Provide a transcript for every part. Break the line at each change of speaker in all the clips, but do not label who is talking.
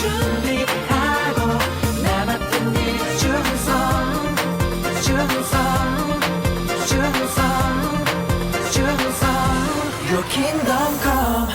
준비하고 나 맡은 일 충성 충성 충성 충성 Your kingdom come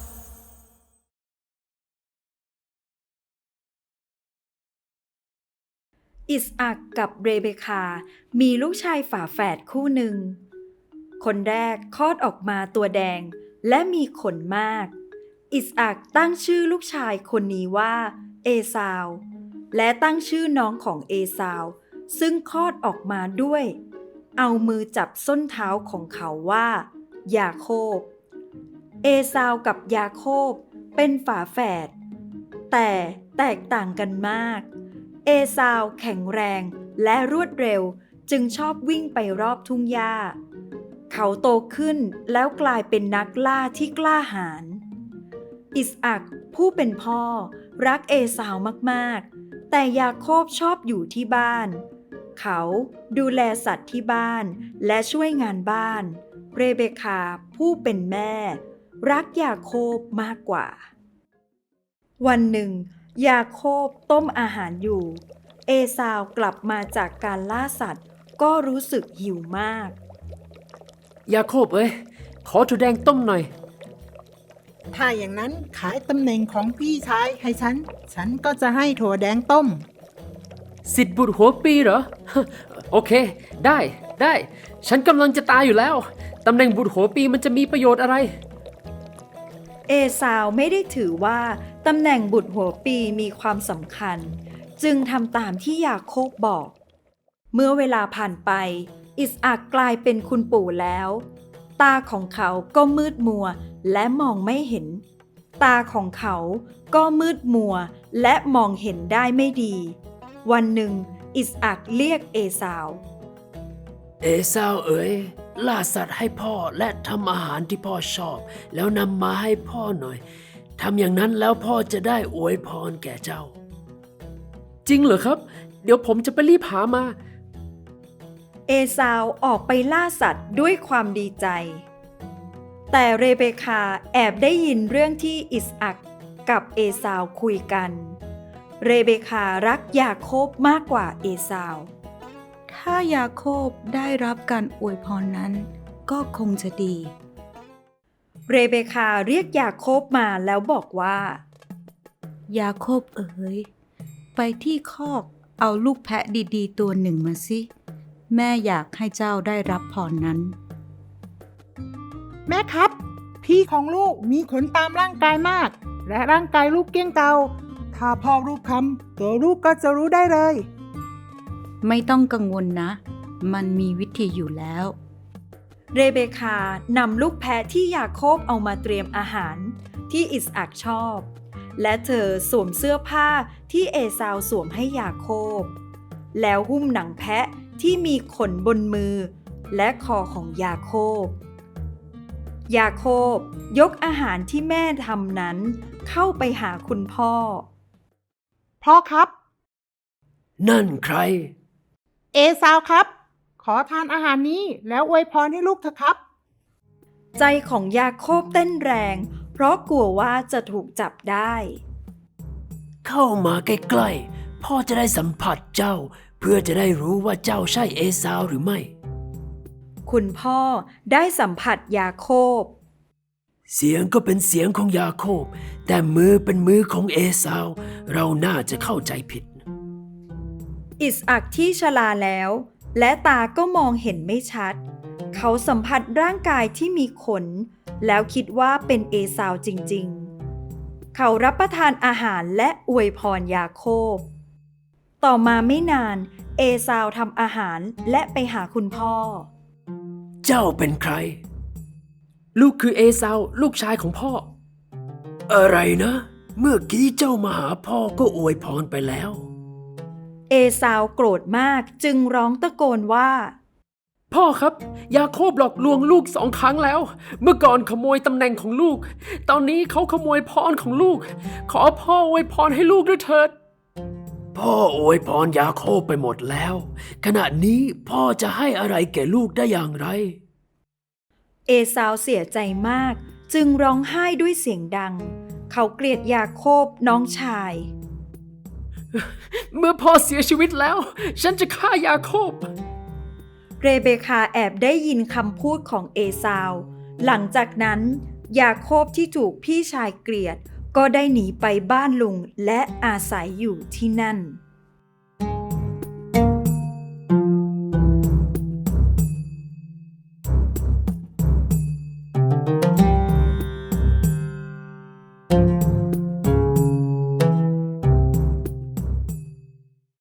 อิสอัคกับเรเบคา มีลูกชายฝาแฝดคู่หนึ่ง คนแรกคลอดออกมาตัวแดงและมีขนมาก อิสอัคตั้งชื่อลูกชายคนนี้ว่าเอซาว และตั้งชื่อน้องของเอซาวซึ่งคลอดออกมาด้วย เอามือจับส้นเท้าของเขาว่ายาโคบ เอซาวกับยาโคบเป็นฝาแฝดแต่แตกต่างกันมากเอซาวแข็งแรงและรวดเร็วจึงชอบวิ่งไปรอบทุ่งหญ้าเขาโตขึ้นแล้วกลายเป็นนักล่าที่กล้าหาญอิสอัคผู้เป็นพ่อรักเอซาวมากๆแต่ยาโคบชอบอยู่ที่บ้านเขาดูแลสัตว์ที่บ้านและช่วยงานบ้านเรเบคาผู้เป็นแม่รักยาโคบมากกว่าวันหนึ่งยาโคบต้มอาหารอยู่เอซาวกลับมาจากการล่าสัตว์ก็รู้สึกหิวมาก
ยาโคบเอ้ยขอถั่วแดงต้มหน่อย
ถ้าอย่างนั้นขายตำแหน่งของพี่ชายให้ฉันก็จะให้ถั่วแดงต้ม
สิทธิ์บุตรหัวปีเหรอ โอเคได้ฉันกำลังจะตายอยู่แล้วตำแหน่งบุตรหัวปีมันจะมีประโยชน์อะไร
เอซาวไม่ได้ถือว่าตำแหน่งบุตรหัวปีมีความสำคัญจึงทำตามที่ยาโคบบอกเมื่อเวลาผ่านไปอิสอัคกลายเป็นคุณปู่แล้วตาของเขาก็มืดมัวและมองไม่เห็นตาของเขาก็มืดมัวและมองเห็นได้ไม่ดีวันหนึ่งอิสอัคเรียกเอซาว
เอซาวเอ๋ยล่าสัตว์ให้พ่อและทำอาหารที่พ่อชอบแล้วนำมาให้พ่อหน่อยทำอย่างนั้นแล้วพ่อจะได้อวยพรแก่เจ้าจริงเหรอครับเดี๋ยวผมจะไปรีบหามา
เอซาวออกไปล่าสัตว์ด้วยความดีใจแต่เรเบคาแอบได้ยินเรื่องที่อิสอัคกับเอซาวคุยกันเรเบคารักยาโคบมากกว่าเอซาว
ถ้ายาโคบได้รับการอวยพรนั้นก็คงจะดี
เรเบคาเรียกยาโคบมาแล้วบอกว่าย
าโคบเอ๋ยไปที่คอกเอาลูกแพะดีๆตัวหนึ่งมาสิแม่อยากให้เจ้าได้รับพรนั้น
แม่ครับ พี่ของลูกมีขนตามร่างกายมากและร่างกายลูกเกี้ยงเกาถ้าพ่อรูปคำตัวลูกก็จะรู้ได้เลย
ไม่ต้องกังวลนะมันมีวิธีอยู่แล้ว
เรเบคานำลูกแพะที่ยาโคบเอามาเตรียมอาหารที่อิสอัคชอบและเธอสวมเสื้อผ้าที่เอซาวสวมให้ยาโคบแล้วหุ้มหนังแพะที่มีขนบนมือและคอของยาโคบยาโคบยกอาหารที่แม่ทำนั้นเข้าไปหาคุณพ่อ
พ่อครับ
นั่นใคร
เอซาวครับขอทานอาหารนี้แล้วอวยพรให้ลูกเถอะครับ
ใจของยาโคบเต้นแรงเพราะกลัวว่าจะถูกจับได้
เข้ามาใกล้ๆพ่อจะได้สัมผัสเจ้าเพื่อจะได้รู้ว่าเจ้าใช่เอซาวหรือไม่
คุณพ่อได้สัมผัสยาโคบ
เสียงก็เป็นเสียงของยาโคบแต่มือเป็นมือของเอซาวเราน่าจะเข้าใจผิด
อิสอัคที่ชราแล้วและตาก็มองเห็นไม่ชัดเขาสัมผัสร่างกายที่มีขนแล้วคิดว่าเป็นเอซาวจริงๆเขารับประทานอาหารและอวยพรยาโคบต่อมาไม่นานเอซาวทำอาหารและไปหาคุณพ่อ
เจ้าเป็นใครลูกคือเอซาวลูกชายของพ่ออะไรนะเมื่อกี้เจ้ามาหาพ่อก็อวยพรไปแล้ว
เอซาวโกรธมากจึงร้องตะโกนว่า
พ่อครับยาโคบหลอกลวงลูก2 ครั้งแล้วเมื่อก่อนขโมยตำแหน่งของลูกตอนนี้เขาขโมยพรของลูกขอพ่ออวยพรให้ลูกด้วยเถิดพ่ออวยพรยาโคบไปหมดแล้วขณะนี้พ่อจะให้อะไรแก่ลูกได้อย่างไร
เอซาวเสียใจมากจึงร้องไห้ด้วยเสียงดังเขาเกลียดยาโคบน้องชาย
เมื่อพ่อเสียชีวิตแล้ว ฉันจะฆ่ายาโคบ
เรเบคาแอบได้ยินคำพูดของเอซาว หลังจากนั้นยาโคบที่ถูกพี่ชายเกลียดก็ได้หนีไปบ้านลุงและอาศัยอยู่ที่นั่น